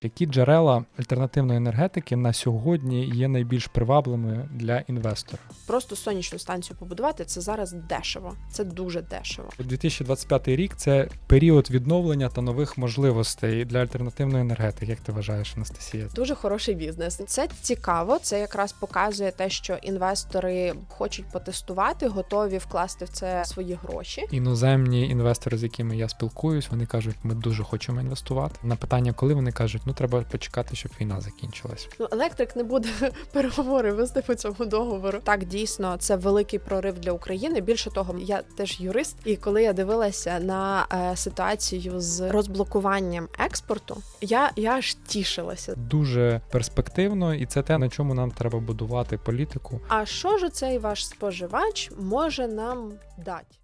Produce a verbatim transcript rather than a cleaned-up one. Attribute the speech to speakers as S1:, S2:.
S1: Які джерела альтернативної енергетики на сьогодні є найбільш привабливими для інвестора?
S2: Просто сонячну станцію побудувати – це зараз дешево. Це дуже дешево.
S1: дві тисячі двадцять п'ятий рік – це період відновлення та нових можливостей для альтернативної енергетики. Як ти вважаєш, Анастасія?
S2: Дуже хороший бізнес. Це цікаво, це якраз показує те, що інвестори хочуть потестувати, готові вкласти в це свої гроші.
S1: Іноземні інвестори, з якими я спілкуюсь, вони кажуть, ми дуже хочемо інвестувати. На питання, коли, вони кажуть, ну треба почекати, щоб війна закінчилась.
S2: Ну, електрик не буде переговори вести по цьому договору. Так, дійсно, це великий прорив для України. Більше того, я теж юрист, і коли я дивилася на е, ситуацію з розблокуванням експорту, я, я аж тішилася.
S1: Дуже перспективно, і це те, на чому нам треба будувати політику.
S2: А що ж цей ваш споживач може нам дати?